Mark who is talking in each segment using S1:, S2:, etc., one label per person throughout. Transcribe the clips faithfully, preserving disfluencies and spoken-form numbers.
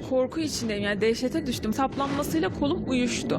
S1: korku içindeyim, yani dehşete düştüm. Saplanmasıyla kolum uyuştu.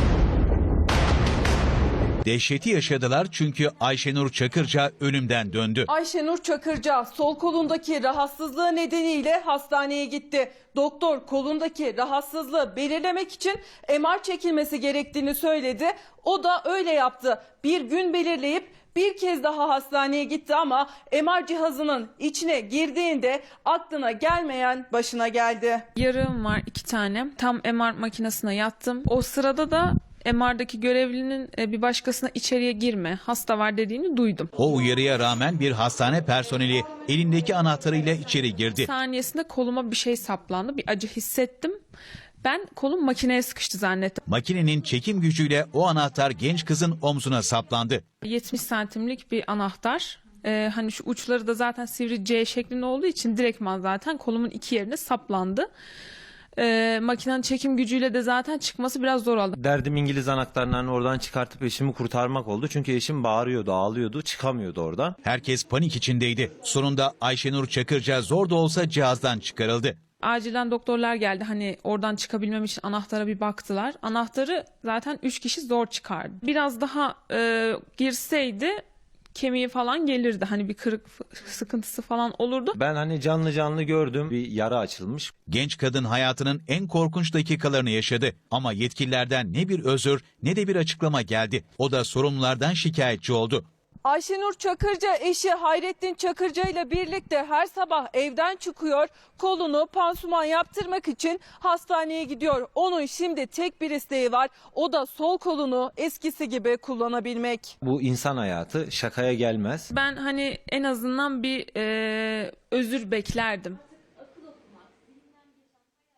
S2: Dehşeti yaşadılar çünkü Ayşenur Çakırca ölümden döndü.
S3: Ayşenur Çakırca sol kolundaki rahatsızlığı nedeniyle hastaneye gitti. Doktor kolundaki rahatsızlığı belirlemek için M R çekilmesi gerektiğini söyledi. O da öyle yaptı. Bir gün belirleyip bir kez daha hastaneye gitti ama M R cihazının içine girdiğinde aklına gelmeyen başına geldi.
S1: Yarığım var iki tane. Tam M R makinesine yattım. O sırada da M R'daki görevlinin e, bir başkasına içeriye girme, hasta var dediğini duydum.
S2: O uyarıya rağmen bir hastane personeli elindeki anahtarıyla içeri girdi.
S1: Saniyesinde koluma bir şey saplandı. Bir acı hissettim. Ben kolum makineye sıkıştı zannettim.
S2: Makinenin çekim gücüyle o anahtar genç kızın omzuna saplandı.
S1: yetmiş santimlik bir anahtar. Ee, hani şu uçları da zaten sivri C şeklinde olduğu için direktman zaten kolumun iki yerine saplandı. Ee, makinenin çekim gücüyle de zaten çıkması biraz zor oldu.
S4: Derdim İngiliz anahtarlarını oradan çıkartıp eşimi kurtarmak oldu. Çünkü eşim bağırıyordu, ağlıyordu, çıkamıyordu oradan.
S2: Herkes panik içindeydi. Sonunda Ayşenur Çakırca zor da olsa cihazdan çıkarıldı.
S1: Acilen doktorlar geldi, hani oradan çıkabilmem için anahtara bir baktılar. Anahtarı zaten üç kişi zor çıkardı. Biraz daha e, girseydi kemiği falan gelirdi, hani bir kırık sıkıntısı falan olurdu.
S4: Ben hani canlı canlı gördüm, bir yara açılmış.
S2: Genç kadın hayatının en korkunç dakikalarını yaşadı. Ama yetkililerden ne bir özür ne de bir açıklama geldi. O da sorumlulardan şikayetçi oldu.
S3: Ayşenur Çakırca eşi Hayrettin Çakırca ile birlikte her sabah evden çıkıyor. Kolunu pansuman yaptırmak için hastaneye gidiyor. Onun şimdi tek bir isteği var. O da sol kolunu eskisi gibi kullanabilmek.
S4: Bu insan hayatı şakaya gelmez.
S1: Ben hani en azından bir e, özür beklerdim.